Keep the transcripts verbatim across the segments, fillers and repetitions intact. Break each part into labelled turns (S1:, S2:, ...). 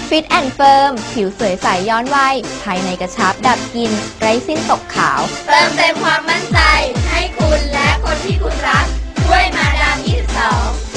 S1: ฟิตแอนด์เฟิร์มผิวสวยใสย้อนวัยภายในกระชับดับกลิ่นไร้สิ้นตกขาว
S2: เติมเต็มความมั่นใจให้คุณและคนที่คุณรักด้วยมาดาม ยี่สิบสอง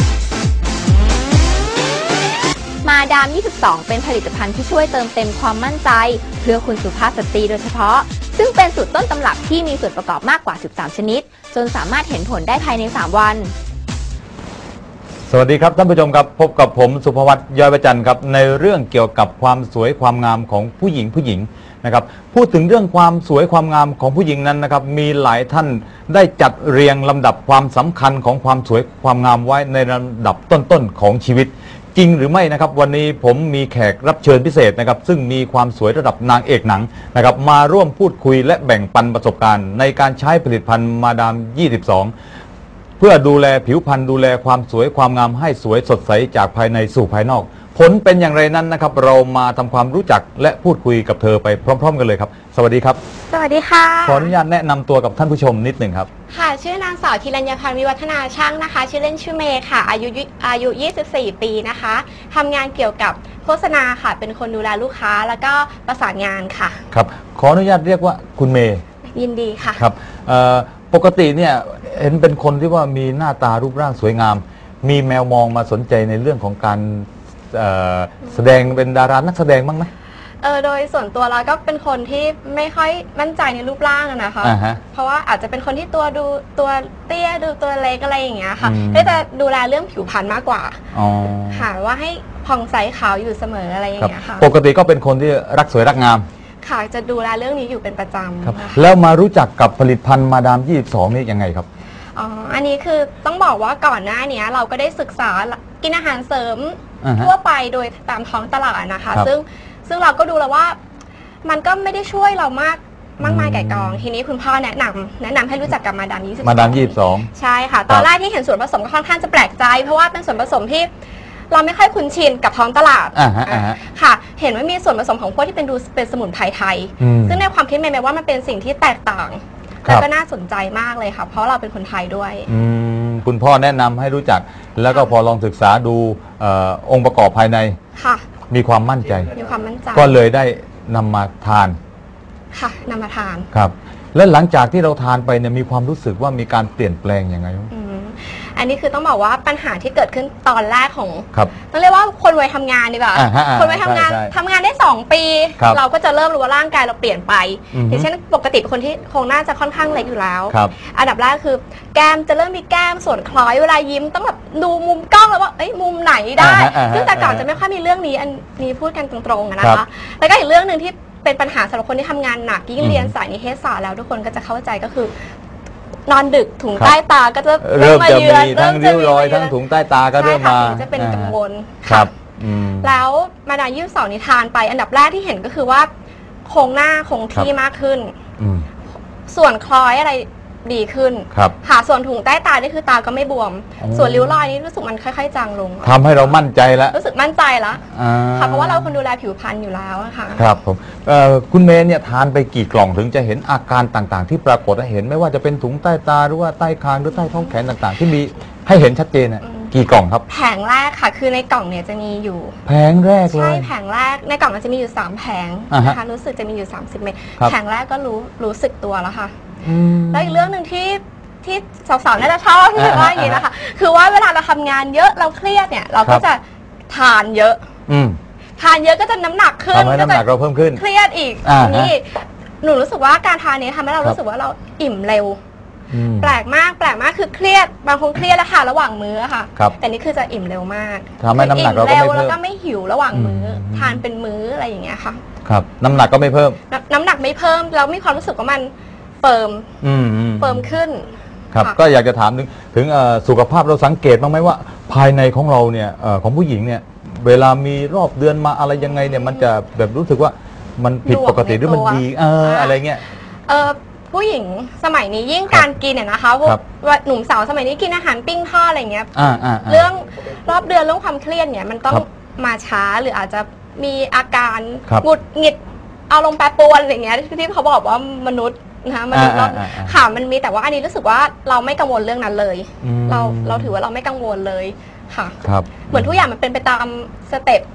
S1: มาดาม ยี่สิบสอง เป็นผลิตภัณฑ์ที่ช่วยเติมเต็มความมั่นใจเพื่อคุณสุภาพสตรีโดยเฉพาะซึ่งเป็นสูตรต้นตำรับที่มีส่วนประกอบมากกว่าสิบสามชนิดจนสามารถเห็นผลได้ภายในสามวัน
S3: สวัสดีครับท่านผู้ชมครับพบกับผมสุภวัฒน์ย้อยประจันครับในเรื่องเกี่ยวกับความสวยความงามของผู้หญิงผู้หญิงนะครับพูดถึงเรื่องความสวยความงามของผู้หญิงนั้นนะครับมีหลายท่านได้จัดเรียงลำดับความสำคัญของความสวยความงามไว้ในลำดับต้นๆของชีวิตจริงหรือไม่นะครับวันนี้ผมมีแขกรับเชิญพิเศษนะครับซึ่งมีความสวยระดับนางเอกหนังนะครับมาร่วมพูดคุยและแบ่งปันประสบการณ์ในการใช้ผลิตภัณฑ์มาดาม ยี่สิบสองเพื่อดูแลผิวพรรณดูแลความสวยความงามให้สวยสดใสจากภายในสู่ภายนอกผลเป็นอย่างไรนั้นนะครับเรามาทำความรู้จักและพูดคุยกับเธอไปพร้อมๆกันเลยครับสวัสดีครับ
S1: สวัสดีค่ะ
S3: ขออนุญาตแนะนำตัวกับท่านผู้ชมนิดหนึ่งครับ
S1: ค่ะชื่อนางสาวธีรัญญาพันธ์วิวัฒนาช่างนะคะชื่อเล่นชื่อเมย์ค่ะอายุอายุยี่สิบสี่ปีนะคะทำงานเกี่ยวกับโฆษณาค่ะเป็นคนดูแลลูกค้าแล้วก็ประสานงานค่ะ
S3: ครับขออนุญาตเรียกว่าคุณเมย์
S1: ยินดีค่ะ
S3: ครับปกติเนี่ยเห็นเป็นคนที่ว่ามีหน้าตารูปร่างสวยงามมีแมวมองมาสนใจในเรื่องของการแสดงเป็นดารานักแสดงบ้างไหม
S1: เออโดยส่วนตัวเราก็เป็นคนที่ไม่ค่อยมั่นใจในรูปร่างนะคะ
S3: uh-huh.
S1: เพราะว่าอาจจะเป็นคนที่ตัวดูตัวเตี้ยดูตัวเล็กอะไรอย่างเงี้ยค่ะก็จะดูแลเรื่องผิวพรรณมากกว่าค่ะว่าให้ผ่องใสขาวอยู่เสมออะไรอย่างเงี้ยค่ะ
S3: ปกติก็เป็นคนที่รักสวยรักงาม
S1: ค่ะจะดูแลเรื่องนี้อยู่เป็นประจำ
S3: ครับแล้วมารู้จักกับผลิตภัณฑ์มาดาม ยี่สิบสองนี่ยังไงครับ
S1: อ๋ออันนี้คือต้องบอกว่าก่อนหน้านี้เราก็ได้ศึกษากินอาหารเสริม uh-huh. ทั่วไปโดยตามท้องตลาดนะคะซึ่งซึ่งเราก็ดูแล้วว่ามันก็ไม่ได้ช่วยเรามากมากมายไก่กองทีนี้คุณพ่อแนะนำแนะนำให้รู้จักกับมาดาม ยี่สิบสอง
S3: มาดาม ยี่สิบสอง
S1: ใช่ค่ะตอนแรกที่เห็นส่วนผสมก็ค่อนข้างจะแปลกใจเพราะว่าเป็นส่วนผสมที่เราไม่ค่อยคุ้นชินกับท้องตลาดค่ะเห็นว่ามีส่วนผสมของพวกที่เป็นดูเป็นสมุนไพรไทยซึ่งในความคิดเมย์ว่ามันเป็นสิ่งที่แตกต่างแล้วก็น่าสนใจมากเลยค่ะเพราะเราเป็นคนไทยด้วย
S3: คุณพ่อแนะนำให้รู้จักแล้วก็พอลองศึกษาดูองค์ประกอบภายใน
S1: ค่ะ
S3: มีความมั่นใจ
S1: มีความมั่นใจ
S3: ก็เลยได้นำมาทาน
S1: ค่ะนำมาทาน
S3: ครับและหลังจากที่เราทานไปเนี่ยมีความรู้สึกว่ามีการเปลี่ยนแปลงยังไง
S1: อันนี้คือต้องบอกว่าปัญหาที่เกิดขึ้นตอนแรกของ
S3: ครับ
S1: ต้องเรียกว่าคนวัยทำงานดีกว่าคนวัยทำงานทำงานได้สองปีเราก็จะเริ่มรู้ว่าร่างกายเราเปลี่ยนไปอย่างเช่นปกติเป็นคนที่โครงหน้าจะค่อนข้างเล็กอยู่แล้วอันดับแรกคือแก้มจะเริ่มมีแก้มส่วนคล้อยเวลายิ้มต้องแบบดูมุมกล้องแล้วว่าเอ้ยมุมไหนได้ซึ่งแต่ก่อนจะไม่ค่อยมีเรื่องนี้อันนี้พูดกันตรงๆนะคะแล้วก็อีกเรื่องหนึ่งที่เป็นปัญหาสำหรับคนที่ทำงานหนักยิ่งเรียนสายนิเทศศาสตร์แล้วทุกคนก็จะเข้าใจก็คือนอนดึกถุงใต้ตาก็จะ
S3: เริ่มจะมีทั้งริ้วรอยทั้งถุงใต้ตาก็เริ่มมา
S1: จะเป็นกังวล
S3: ครับ
S1: แล้วมาดาม ยี่สิบสองนิทานไปอันดับแรกที่เห็นก็คือว่าโครงหน้าคงที่มากขึ้นส่วนคล้อยอะไรดีขึ้นหาส่วนถุงใต้ตานี่คือตาก็ไม่บวมส่วนริ้วรอยนี่รู้สึกมันค่อยๆจางลง
S3: ทำให้เรามั่นใจแล้ว
S1: รู้สึกมั่นใจแล้วค่ะเพราะว่าเราคนดูแลผิวพรรณอยู่แล้วค่ะ
S3: ครับผมคุณเมย์เนี่ยทานไปกี่กล่องถึงจะเห็นอาการต่างๆที่ปรากฏให้เห็นไม่ว่าจะเป็นถุงใต้ตาหรือว่าใต้คางหรือใต้ท้องแขนต่างๆที่มีให้เห็นชัดเจนน่ะกี่กล่องครับ
S1: แผงแรกค่ะคือในกล่องเนี่ยจะมีอยู่
S3: แผงแรกเลย
S1: ใช่แผงแรกในกล่องมันจะมีอยู่สามแผงนะคะรู้สึกจะมีอยู่สามสิบเมตรแผงแรกก็รู้รู้สึกตัวแล้วค่ะแล้วอีกเรื่องหนึ่งที่ที่สาวๆน่าจะชอบที่ว่าอย่างนี้นะคะคือว่าเวลาเราทำงานเยอะเราเครียดเนี่ยเราก็จะทานเยอะทานเยอะก็จะน้ำหนักขึ้น
S3: ทำให้น้ำหนักเราเพิ่มขึ้น
S1: เครียดอีกนี่หนูรู้สึกว่าการทานนี้ทำให้เรารู้สึกว่าเราอิ่มเร็วแปลกมากแปลกมากคือเครียดบางคนเครียดแล้วทานระหว่างมื้อค่ะแต่นี่คือจะอิ่มเร็วมาก
S3: ทำให้น้ำหนักเราไม่
S1: เพิ่มแล้วก็ไม่หิวระหว่างมื้อทานเป็นมื้ออะไรอย่างเงี้ยค่ะ
S3: ครับน้ำหนักก็ไม่เพิ่ม
S1: น้ำหนักไม่เพิ่มแล้วมีความรู้สึกว่ามันเฟิร์มเฟิร์มขึ้น
S3: ครับก็อยากจะถามถึงถึงสุขภาพเราสังเกตบ้างไหมว่าภายในของเราเนี่ยของผู้หญิงเนี่ยเวลามีรอบเดือนมาอะไรยังไงเนี่ยมันจะแบบรู้สึกว่ามันผิดปกติหรือมันดีเอออะไรเงี้ย
S1: เออผู้หญิงสมัยนี้ยิ่งการกินเนี่ยนะคะพวกหนุ่มสาวสมัยนี้กินอาหารปิ้งทอดอะไรเงี้ยเรื่องรอบเดือนเรื่องความเครียดเนี่ยมันต้องมาช้าหรืออาจจะมีอาการหงุดหงิดอารมณ์แปรปรวนอะไรเงี้ยที่เขาบอกว่ามนุษย์นะคะมันค่ะมันมีแต่ว่าอันนี้รู้สึกว่าเราไม่กังวลเรื่องนั้นเลยเราเราถือว่าเราไม่กังวลเลยค่ะเหมือนทุกอย่างมันเป็นไปตามสเต็ป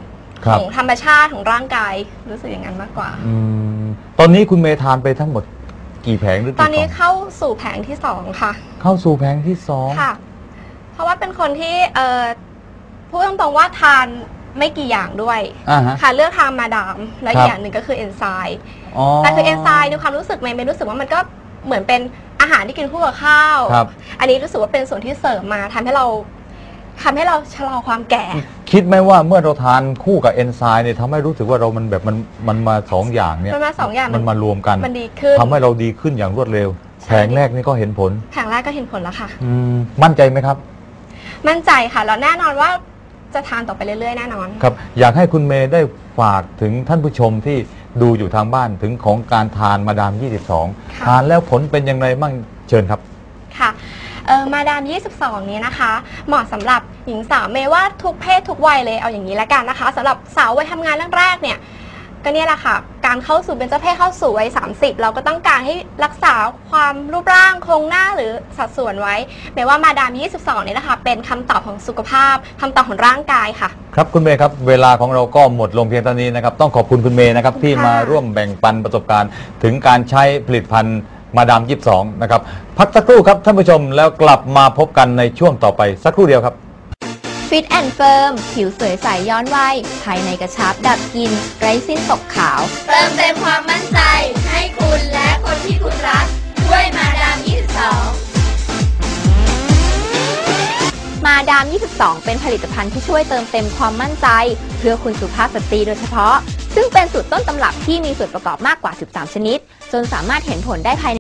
S1: ของธรรมชาติของร่างกายรู้สึกอย่างนั้นมากกว่า
S3: อืมตอนนี้คุณเมย์ทานไปทั้งหมดกี่แผงหรือกี่
S1: ตอนนี้เข้าสู่แผงที่สองค่ะ
S3: เข้าสู่แผงที่สอง
S1: ค่ะเพราะว่าเป็นคนที่เอ่อพูดตรงๆว่าทานไม่กี่อย่างด้วยค่ะเลือกทานมาดามและอีกอย่างหนึ่งก็คือเอนไซม์แต่คือเอนไซม์ในความรู้สึกเมย์รู้สึกว่ามันก็เหมือนเป็นอาหารที่กินคู่กับข้าวอันนี้รู้สึกว่าเป็นส่วนที่เสริมมาทำให้เราทำให้เราชะลอความแก่
S3: คิดไหมว่าเมื่อเราทานคู่กับเอนไซม์เนี่ยทำให้รู้สึกว่าเรามันแบบมันมันมาสองอย่างเนี่ย
S1: มันมาสองอย่าง
S3: มันมารวมกัน
S1: มันดีขึ้น
S3: ทำให้เราดีขึ้นอย่างรวดเร็วแผงแรกนี่ก็เห็นผล
S1: แผงแรกก็เห็นผลแล้วค่ะ
S3: มั่นใจไหมครับ
S1: มั่นใจค่ะแล้วแน่นอนว่าจะทานต่อไปเรื่อยๆแน่นอน
S3: ครับอยากให้คุณเมย์ได้ฝากถึงท่านผู้ชมที่ดูอยู่ทางบ้านถึงของการทานมาดามยี่สิบสองทานแล้วผลเป็นยังไงบ้างเชิญครับ
S1: ค่ะมาดามยี่สิบสองนี้นะคะเหมาะสำหรับหญิงสาวเมย์ว่าทุกเพศทุกวัยเลยเอาอย่างนี้ละกันนะคะสำหรับสาววัยทำงานแรกๆเนี่ยก็เนี่ยแหละค่ะการเข้าสู่เป็นเจ้าเพศเข้าสู่วัยสามสิบเราก็ต้องการให้รักษาความรูปร่างโครงหน้าหรือสัดส่วนไว้เมย์ว่ามาดามยี่สิบสองนี้นะคะเป็นคำตอบของสุขภาพคำตอบของร่างกายค่ะ
S3: ครับคุณเมย์ครับเวลาของเราก็หมดลงเพียงเท่านี้นะครับต้องขอบคุณคุณเมย์นะครับที่มาร่วมแบ่งปันประสบการณ์ถึงการใช้ผลิตภัณฑ์มาดามยี่สิบสองนะครับพักสักครู่ครับท่านผู้ชมแล้วกลับมาพบกันในช่วงต่อไปสักครู่เดียวครับ
S2: ฟิตแอนด์เฟิร์มผิวสวยใสย้อนวัยภายในกระชับดับกลิ่นไร้สิ้นตกขาวเติมเต็มความมั่นใจให้คุณและคนที่คุณรักด้วยมาดามยี่สิบสองมาดามยี่สิบสองเป็นผลิตภัณฑ์ที่ช่วยเติมเต็มความมั่นใจเพื่อคุณสุภาพสตรีโดยเฉพาะซึ่งเป็นสูตรต้นตำรับที่มีส่วนประกอบมากกว่าสิบสามชนิดจนสามารถเห็นผลได้ภายใน